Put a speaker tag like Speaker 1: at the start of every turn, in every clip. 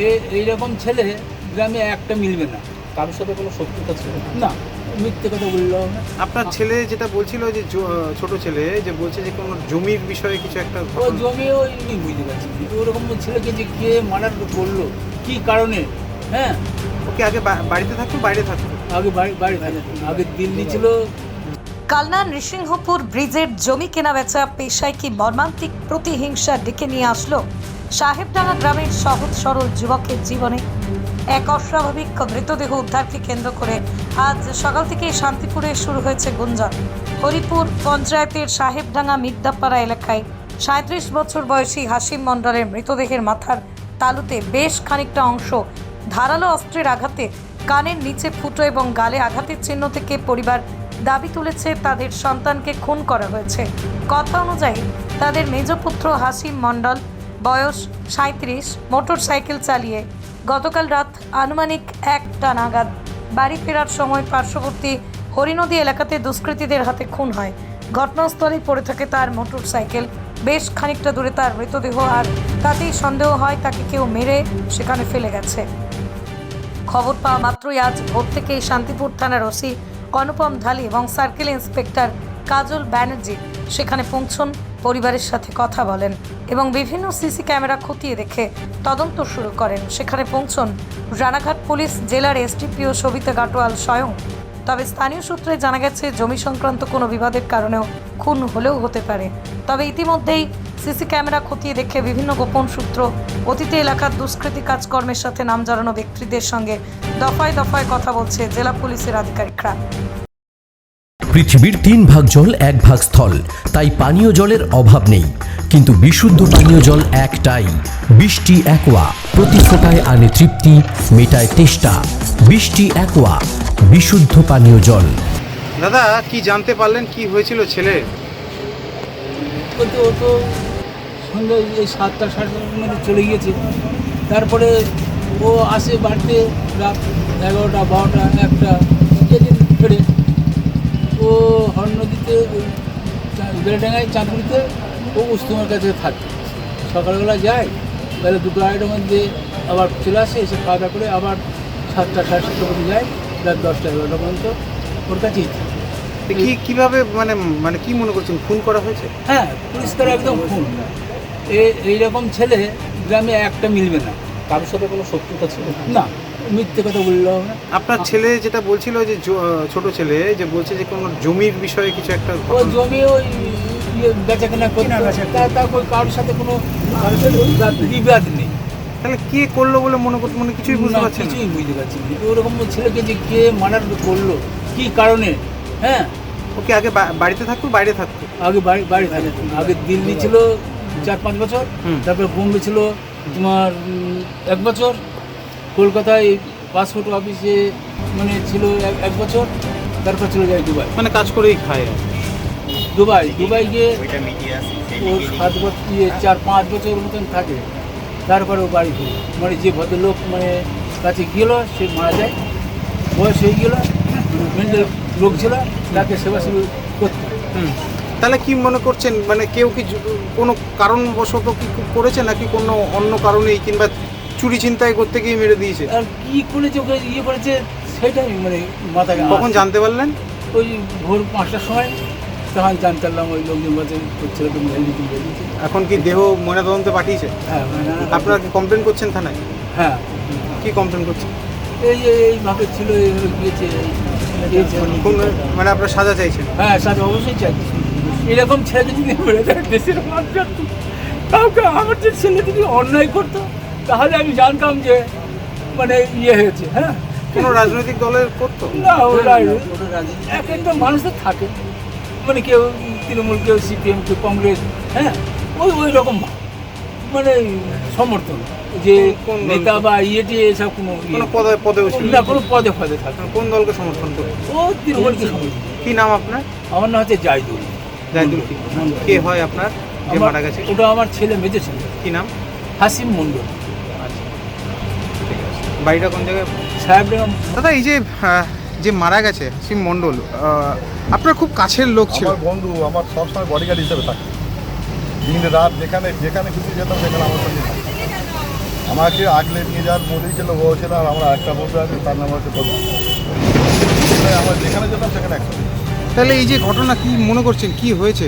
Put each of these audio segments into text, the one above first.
Speaker 1: এইরকম ছেলে গ্রামে একটা মিলবে না।
Speaker 2: কারোর সাথে কোনো শত্রুতা ছিল
Speaker 1: না, মিথ্যে কথা বললাম না।
Speaker 3: আপনার ছেলে যেটা বলছিল যে ছোট ছেলে যে বলছে যে কোনো জমির বিষয়ে কিছু একটা
Speaker 1: ও
Speaker 3: ঘটনা।
Speaker 1: জমিও বুঝতে পারছি না। ওরকম ছেলেকে যে কে মার্ডার করলো, কী কারণে? হ্যাঁ,
Speaker 3: ওকে আগে বাড়িতে থাকতো বাইরে থাকতো?
Speaker 1: আগে বাড়ি আগে দিল্লি ছিল।
Speaker 4: কালনা নৃসিংহপুর ব্রিজের জমি কেনাবেচা পেশায় কি মর্মান্তিক প্রতিহিংসা ডেকে নিয়ে আসলো সাহেবডাঙ্গা গ্রামের সহজ সরল যুবকের জীবনে। এক অস্বাভাবিক মৃতদেহ উদ্ধারকে কেন্দ্র করে আজ সকাল থেকে শান্তিপুরে শুরু হয়েছে গুঞ্জন। হরিপুর পঞ্চায়েতের সাহেবডাঙ্গা মির্দাপাড়া এলাকায় ৩৭ বছর বয়সী হাসিম মণ্ডলের মৃতদেহের মাথার তালুতে বেশ খানিকটা অংশ ধারালো অস্ত্রের আঘাতে, কানের নিচে ফুটো এবং গালে আঘাতের চিহ্ন থেকে পরিবার দাবি তুলেছে তাদের সন্তানকে খুন করা হয়েছে। কথা অনুযায়ী তাদের মেজপুত্র হাসিম মণ্ডল বয়স ৩৭ মোটর সাইকেল চালিয়ে গতকাল রাত আনুমানিক ১টা নাগাদ বাড়ি ফেরার সময় পার্শ্ববর্তী হরিনদী এলাকাতে দুষ্কৃতীদের হাতে খুন হয়। ঘটনাস্থলেই পড়ে থাকে তার মোটর সাইকেল। বেশ খানিকটা দূরে তার মৃতদেহ, আর তাতেই সন্দেহ হয় তাকে কেউ মেরে সেখানে ফেলে গেছে। খবর পাওয়া মাত্রই আজ ভোর থেকেই শান্তিপুর থানার ওসি অনুপম ঢালি এবং সার্কেল ইন্সপেক্টর কাজল ব্যানার্জি সেখানে পৌঁছন, পরিবারের সাথে কথা বলেন এবং বিভিন্ন সিসি ক্যামেরা খতিয়ে দেখে তদন্ত শুরু করেন। সেখানে পৌঁছন রানাঘাট পুলিশ, জেলার এসডিপিও সবিতা গাটোয়াল স্বয়ং। তবে স্থানীয় সূত্রে জানা গেছে জমি সংক্রান্ত কোনো বিবাদের কারণেও খুন হলেও হতে পারে। তবে ইতিমধ্যেই সিসি ক্যামেরা খতিয়ে দেখে বিভিন্ন গোপন সূত্র অতীতে এলাকার দুষ্কৃতী কাজকর্মের সাথে নাম জড়ানো ব্যক্তিদের সঙ্গে দফায় দফায় কথা বলছে জেলা পুলিশের আধিকারিকরা।
Speaker 5: পৃথিবীর ৩ ভাগ জল ১ ভাগ স্থল, তাই পানীয় জলের অভাব নেই। কিন্তু বিশুদ্ধ পানীয় জল একটাই, বৃষ্টি অ্যাকোয়া। প্রতি ফোঁটায় আনে তৃপ্তি, মেটায় তেষ্টা। বৃষ্টি অ্যাকোয়া, বিশুদ্ধ পানীয় জল।
Speaker 3: দাদা কি জানতে পারলেন কি হয়েছিল ছেলে?
Speaker 1: বলতে ও তো সন্ধ্যে এই ৭টা সাড়ে ৭টার মধ্যে চলে গিয়েছে। তারপরে ও আসে বাড়িতে রাত ১১টা ১২টা ১টা যেদিন ফেরে। ও হরনদীতে ওই বেলডাঙ্গায় চাঁদপুরিতে ও উস্তমার কাছে থাকে। সকালবেলা যায়, তাহলে ২টো ২.৫টার মধ্যে আবার চলে আসে, এসে খাওয়া দাওয়া করে আবার ৭টা সাড়ে ৭টার মধ্যে যায়, রাত ১০টা ১১টা পর্যন্ত ওর কাছেই থাকে।
Speaker 3: কিভাবে মানে কি মনে করছেন খুন করা হয়েছে?
Speaker 1: হ্যাঁ, পরিষ্কার একদম খুন। এইরকম ছেলে গ্রামে একটা মিলবে না।
Speaker 2: কারোর সাথে কোনো শত্রুতা ছিল
Speaker 1: না, মিথ্যে কথা বললাম না।
Speaker 3: আপনার ছেলে যেটা বলছিল যে ছোট ছেলে যে বলছে যে কোনো জমির বিষয়ে কিছু একটা
Speaker 1: ও
Speaker 3: ঘটনা।
Speaker 1: জমি ওই বেচা কেনা করতে, তারপর কারোর সাথে কোনো বিবাদ নেই।
Speaker 3: তাহলে কে করলো বলে মনে কিছুই বুঝতে
Speaker 1: না,
Speaker 3: পারছেন না?
Speaker 1: কিছুই বুঝতে পারছি না। ওরকম ছেলেকে যে কে মার্ডার করলো, কী কারণে? হ্যাঁ,
Speaker 3: ওকে আগে বাড়িতে থাকতো বাইরে থাকতো?
Speaker 1: আগে বাড়ি থাকে। আগে দিল্লি ছিল ৪-৫ বছর, তারপরে বোম্বে ছিল তোমার ১ বছর, কলকাতায় পাসপোর্ট অফিসে মানে ছিল ১ বছর, তারপর চলে যায় দুবাই।
Speaker 3: মানে কাজ করেই খায়।
Speaker 1: দুবাই গিয়ে ও 7 বছর 4-5 বছর মতন থাকে, তারপরে ও বাড়ি ফিরে। মানে যে ভদ্রলোক মানে কাছে গেল সে মারা যায়, বয়স হয়ে গেল, মেন্টাল রোগ ছিল, তাকে সেবা করতে।
Speaker 3: তাহলে কি মনে করছেন মানে কেউ কি কোনো কারণবশত কি করেছে নাকি কোনো অন্য কারণেই, কিংবা চুরি ছিনতাই করতে গিয়ে মেরে দিয়েছে?
Speaker 1: আর কী করেছে ওকে করেছে সেটাই মানে মাথায়।
Speaker 3: কখন জানতে পারলেন?
Speaker 1: ওই ভোর 5টার সময় তখন জানতে পারলাম ওই লোকজন বলছে ছেলেকে মেরে দিয়েছে।
Speaker 3: এখন কি দেহ ময়নাতদন্তে পাঠিয়েছে?
Speaker 1: হ্যাঁ,
Speaker 3: আপনারা কি কমপ্লেন করছেন থানায়?
Speaker 1: হ্যাঁ,
Speaker 3: কি কমপ্লেন করছেন?
Speaker 1: এইভাবে ছিল, এইভাবে গিয়েছে।
Speaker 3: মানে আপনারা সাজা চাইছেন?
Speaker 1: হ্যাঁ, সাথে অবশ্যই চাইছি। এরকম ছেলে যদি মেরে দেয় দেশের মানুষ, কাউকে আমার যে ছেলে যদি অন্যায় করতো তাহলে আমি জানতাম যে মানে হয়েছে। হ্যাঁ,
Speaker 3: কোনো রাজনৈতিক দলের করতো
Speaker 1: না, ওরা এক একটা মানুষের থাকে, মানে কেউ তৃণমূল, কেউ সিপিএম, কেউ কংগ্রেস। হ্যাঁ, ওই রকম মানে সমর্থন যে নেতা বা এসব কোনো
Speaker 3: পদেও ছিল
Speaker 1: না, কোনো পদে থাকে।
Speaker 3: কোন দলকে সমর্থন করে?
Speaker 1: ও তৃণমূলকে সমর্থন।
Speaker 3: কি নাম আপনার?
Speaker 1: আমার নাম হচ্ছে জাইদুল।
Speaker 3: কে হয় আপনার যে মারা গেছে?
Speaker 1: ওটা আমার ছেলে, মেজো ছেলে।
Speaker 3: কি নাম?
Speaker 1: হাসিম মণ্ডল।
Speaker 3: আচ্ছা, ঠিক আছে। বাড়িটা কোন জায়গায়?
Speaker 1: সাহেবডাঙ্গা।
Speaker 3: দাদা এই যে মারা গেছে হাসিম মণ্ডল, আপনার খুব কাছের লোক ছিল?
Speaker 6: আমার বন্ধু, আমার সবসময় বডিগার্ড হিসেবে থাকে। দিন রাত যেখানে খুশি যেতাম সেখানে আমার সঙ্গে থাকে। আমাকে আগলে নিয়ে যাওয়ার বলেই ছিল, ও ছিল, আর আমরা একটা বন্ধু আছে, তার নাম হচ্ছে প্রধান। আমরা যেখানে যেতাম সেখানে একসাথে।
Speaker 3: তাহলে এই যে ঘটনা কি মনে করছেন, কি হয়েছে?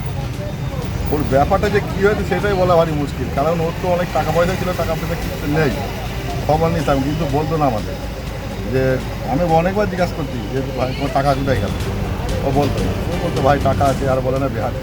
Speaker 6: ওর ব্যাপারটা যে কী হয়েছে সেটাই বলা ভারী মুশকিল, কারণ ওর তো অনেক টাকা পয়সা ছিল, টাকা পয়সা কিছু নেই, খবর নিতাম, কিন্তু বলতো না আমাদের। যে আমি অনেকবার জিজ্ঞাসা করছি যে ভাই তোমার টাকা কোথায় গেল, ও বলতো না। ও বলতো ভাই টাকা আছে, আর বলে না বিহার।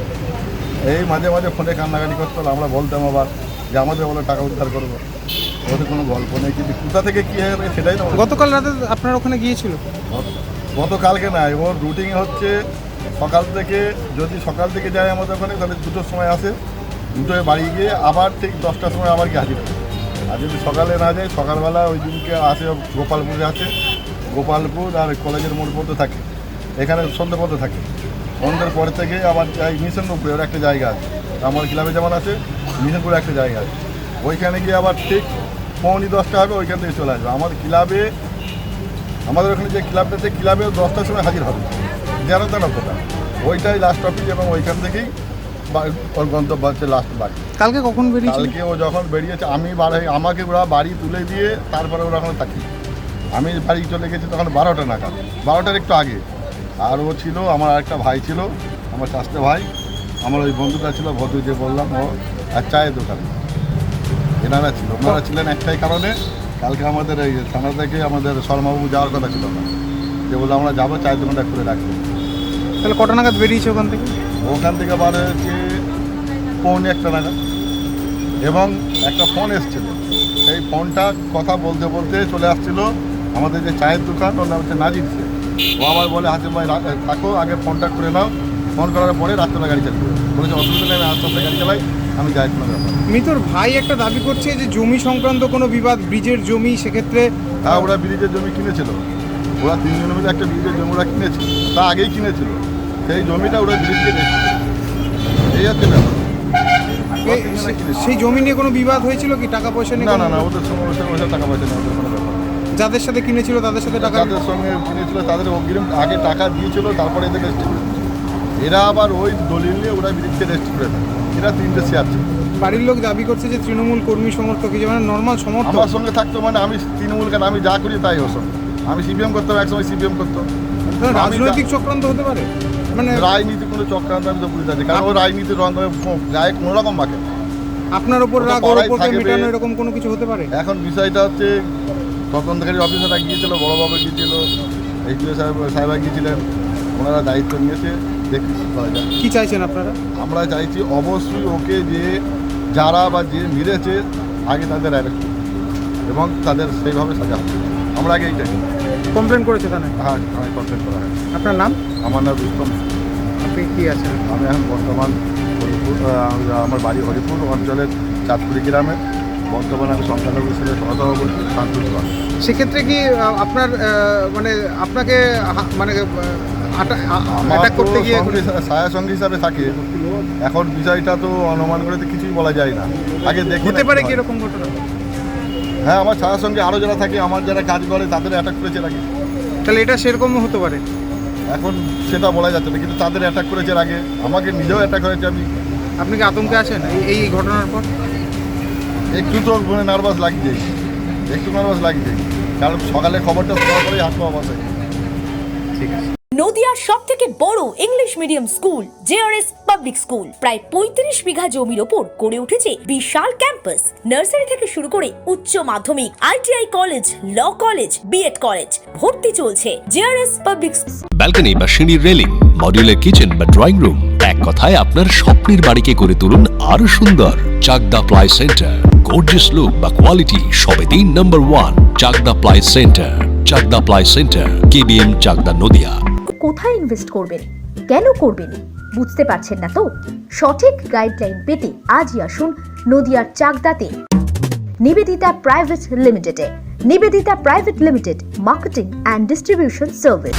Speaker 6: এই মাঝে মাঝে ফোনে কান্নাকাটি করতো, আমরা বলতাম আবার যে আমাদের বলে টাকা উদ্ধার করবো। ওদের কোনো গল্প নেই, কিন্তু কোথা থেকে কী হয়ে গেছে সেটাই না।
Speaker 3: গতকাল রাতে আপনার ওখানে গিয়েছিল?
Speaker 6: গতকালকে নাই, ওর রুটিন হচ্ছে সকাল থেকে, যদি সকাল থেকে যায় আমাদের ওখানে তাহলে 2টোর সময় আসে, 2টোয় বাড়ি গিয়ে আবার ঠিক 10টার সময় আবার গিয়ে হাজির হবে। আর যদি সকালে না যায়, সকালবেলা ওই দিনকে আসে গোপালপুরে আছে, গোপালপুর আর কলেজের মোড় পর্যন্ত থাকে, এখানে সন্ধ্যে পর্যন্ত থাকে। সন্ধ্যের পর থেকে আবার যাই মিশনপুরে, ওর একটা জায়গা আছে, আমার ক্লাবে যেমন আছে মিশনপুরে একটা জায়গা আছে, ওইখানে গিয়ে আবার ঠিক 9:45 হবে, ওইখান থেকে চলে আসবে। আমাদের ক্লাবে, আমাদের ওখানে যে ক্লাবটাতে, ক্লাবে 10টার সময় হাজির হবে, যেন তেন কথা, ওইটাই লাস্ট অফিস, এবং ওইখান থেকেই ওর গন্তব্য হচ্ছে লাস্ট বাড়ি।
Speaker 3: কালকে কখন বেরিয়েছিল?
Speaker 6: কালকে ও যখন বেরিয়েছে, আমি আমাকে ওরা বাড়ি তুলে দিয়ে তারপরে ওরা ওখানে থাকি। আমি বাড়ি চলে গেছি তখন 12টা নাগাদ, 12টার একটু আগে। আর ও ছিল, আমার আরেকটা ভাই ছিল, আমার চাষতে ভাই, আমার ওই বন্ধুটা ছিল ভদ্র যে বললাম, ও আর চায়ের দোকানে এনারা ছিল। ওনারা ছিলেন একটাই কারণে, কালকে আমাদের এই থানা থেকে আমাদের শর্মাবাবু যাওয়ার কথা ছিল না, যে বললো আমরা যাবো, চায়ের দোকানটা খুলে রাখবো।
Speaker 3: তাহলে কটা নাগাদ বেরিয়েছে ওখান থেকে?
Speaker 6: ওখান থেকে বার হয়েছে 1:45 নাগাদ, এবং একটা ফোন এসেছিল, সেই ফোনটা কথা বলতে বলতে চলে আসছিল আমাদের যে চায়ের দোকান, ওর নাম হচ্ছে নাজির সে। ও আবার বলে হাসিম ভাই থাকো, আগে ফোনটা করে নাও, ফোন করার পরে রাত্রেবেলা গাড়ি চালাবো। বলেছে অসুবিধা নেই, আমি আস্তে আস্তে গাড়ি চালাই, আমি যাই কোনো ব্যাপার।
Speaker 3: মৃতর ভাই একটা দাবি করছে যে জমি সংক্রান্ত কোনো বিবাদ, ব্রিজের জমি, সেক্ষেত্রে
Speaker 6: হ্যাঁ, ওরা ব্রিজের জমি কিনেছিল, ওরা 3 জনের মধ্যে একটা ব্রিজের জমি ওরা কিনেছিল, তা আগেই কিনেছিল, সেই জমিটা ওরা ব্রিজকে দেখছিল, এই হচ্ছে ব্যাপার।
Speaker 3: সেই জমি নিয়ে কোনো বিবাদ হয়েছিল কি, টাকা পয়সা নিয়ে?
Speaker 6: না না না, ওদের সঙ্গে ওদের টাকা পয়সা নেই, ওদের কোনো ব্যাপার নেই।
Speaker 3: যাদের সাথে কিনেছিল তাদের সাথে টাকা,
Speaker 6: যাদের সঙ্গে কিনেছিল তাদের অগ্রিম আগে টাকা দিয়েছিল, তারপরে এদের রেজিস্ট্রি করে দিয়েছিল। এরা আবার ওই দলিল নিয়ে ওরা ব্রিজকে রেজিস্ট্রি করে দেয়। এরা 3টে শেয়ার ছিল।
Speaker 3: বাড়ির লোক দাবি করছে যে তৃণমূল কর্মী সমর্থক, হিসেবে মানে নর্মাল সমর্থক।
Speaker 6: আমার সঙ্গে থাকতো, মানে আমি তৃণমূল, কেন আমি যা করি তাই ওর সঙ্গে। আমি সিপিএম করতাম, একসময় সিপিএম করতাম।
Speaker 3: রাজনৈতিক চক্রান্ত হতে পারে, মানে
Speaker 6: রাজনীতি কোনো চক্রান্ত আমি তো বুঝতে পারছি, কারণ ও রাজনীতির রঙ গায়ে কোনো রকম মাকে।
Speaker 3: আপনার ওপর রাগ, ওর ওপরকে মেটানো, এরকম কোনো কিছু হতে পারে?
Speaker 6: এখন বিষয়টা হচ্ছে, তদন্তকারী অফিসাররা গিয়েছিল, বড়োবাবু গিয়েছিল, এইচডিও সাহেবরা গিয়েছিলেন, ওনারা দায়িত্ব নিয়েছে, দেখি কী করা যায়।
Speaker 3: কী চাইছেন আপনারা?
Speaker 6: আমরা চাইছি অবশ্যই ওকে যে যারা বা যে মেরেছে আগে তাদের অ্যারেস্ট করুন এবং তাদের সেইভাবে সাজা হবে। আমরা আগে এইটাই
Speaker 3: কমপ্লেন করেছে থানায়?
Speaker 6: হ্যাঁ, আমি কমপ্লেন করা হয়।
Speaker 3: আপনার নাম?
Speaker 6: আমার নাম রুস্তম।
Speaker 3: আপনি কী আছেন?
Speaker 6: আমি এখন বর্তমান হরিপুর, আমার বাড়ি হরিপুর অঞ্চলের চাঁদপুরি গ্রামে, বর্তমানে আমি সংখ্যালঘু হিসেবে সহসভাপতি শান্তুল।
Speaker 3: সেক্ষেত্রে কি আপনার মানে আপনাকে মানে
Speaker 6: আমার
Speaker 3: অ্যাটাক করতে গিয়ে
Speaker 6: ছায়া সঙ্গী হিসাবে থাকে। এখন বিষয়টা তো অনুমান করে তো কিছুই বলা যায় না, আগে দেখি
Speaker 3: হতে পারে কি এরকম ঘটনা?
Speaker 6: হ্যাঁ, আমার ছায়ার সঙ্গে আরও যারা থাকে, আমার যারা কাজ করে তাদের অ্যাটাক করেছে আগে।
Speaker 3: তাহলে এটা সেরকমও হতে পারে?
Speaker 6: এখন সেটা বলা যাচ্ছে না, কিন্তু তাদের অ্যাটাক করেছে আগে, আমাকে নিজেও অ্যাটাক হয়েছে।
Speaker 3: আপনি কি আতঙ্কে আছেন এই ঘটনার পর?
Speaker 6: একটু তো মানে নার্ভাস লাগছে, একটু নার্ভাস লাগছে, কারণ সকালে খবরটা শোনার পরেই হাত পা বসে।
Speaker 3: ঠিক আছে।
Speaker 7: নদিয়ার সবথেকে বড় English medium school JRS public school প্রায় 35 বিঘা জমির ওপর গড়ে উঠেছে বিশাল ক্যাম্পাস। নার্সারি থেকে শুরু করে উচ্চ মাধ্যমিক, ITI college, law college, BEd college, ভর্তি চলছে জেআরএস পাবলিক।
Speaker 8: ব্যালকনি বা সিঁড়ির রেলিং, মডিউলার কিচেন বা ড্রয়িং রুম, এক কথায় আপনার স্বপ্নের বাড়িকে করে তুলুন আরো সুন্দর। Chakdah ply centre, gorgeous look বা কোয়ালিটি সবেতেই number 1। Chakdah ply centre, Chakdah ply centre, KBM, Chakdah, Nadia.
Speaker 9: কোথায় ইনভেস্ট করবেন, কেন করবেন বুঝতে পারছেন না তো? সঠিক গাইডলাইন পেতে আজই আসুন নদিয়ার চাকদাতে নিবেদিতা প্রাইভেট লিমিটেডে। Nivedita private limited, marketing and distribution service.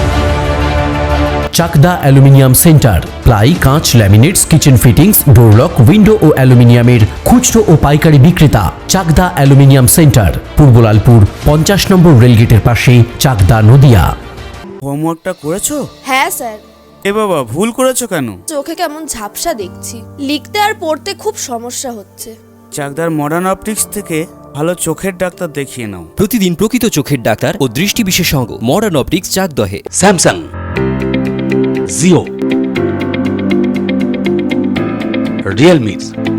Speaker 5: Chakdah aluminium centre, ply, কাঁচ, laminates, kitchen fittings, door lock, window ও অ্যালুমিনিয়ামের খুচরো ও পাইকারি বিক্রেতা। Chakdah aluminium centre, Purbalalpur 50 number রেলগেটের পাশে, চাকদা, নদিয়া।
Speaker 10: হোমওয়ার্কটা করেছো?
Speaker 11: হ্যাঁ স্যার।
Speaker 10: এ বাবা, ভুল করেছো কেন?
Speaker 11: চোখে কেমন ঝাপসা দেখছি, লিখতে আর পড়তে খুব সমস্যা হচ্ছে।
Speaker 10: চাকদার মডার্ন অপটিক্স থেকে ভালো চোখের ডাক্তার দেখিয়ে নাও।
Speaker 5: প্রতিদিন প্রকৃত চোখের ডাক্তার ও দৃষ্টি বিশেষজ্ঞ মডার্ন অপটিক্স চাকদহে।
Speaker 11: স্যামসাং, জিও, রিয়েলমি,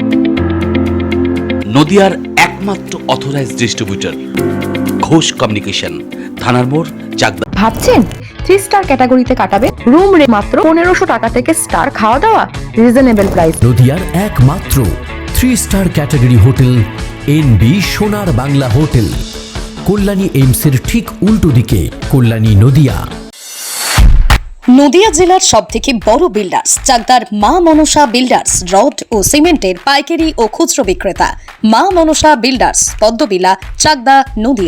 Speaker 11: নদিয়ার একমাত্র অথরাইজড ডিস্ট্রিবিউটর ঘোষ কমিউনিকেশন, থানার মোড়, চাকদা।
Speaker 12: ভাবছেন 3 স্টার ক্যাটাগরিতে কাটাবে? রুম রে মাত্র 1500 টাকা থেকে স্টার, খাওয়া দাওয়া রিজনেবল প্রাইস।
Speaker 5: নদিয়ার একমাত্র 3 স্টার ক্যাটাগরি হোটেল এনবি সোনার বাংলা হোটেল, কল্যাণী এইমসের ঠিক উল্টো দিকে, কল্যাণী নদিয়া।
Speaker 4: নদিয়া জেলার সবথেকে বড় বিল্ডার্স চাকদার মা মনসা বিল্ডার্স, রড ও সিমেন্টের পাইকারি ও খুচরো বিক্রেতা। মা মনসা বিল্ডার্স, পদ্মবিলা, চাকদা, নদিয়া।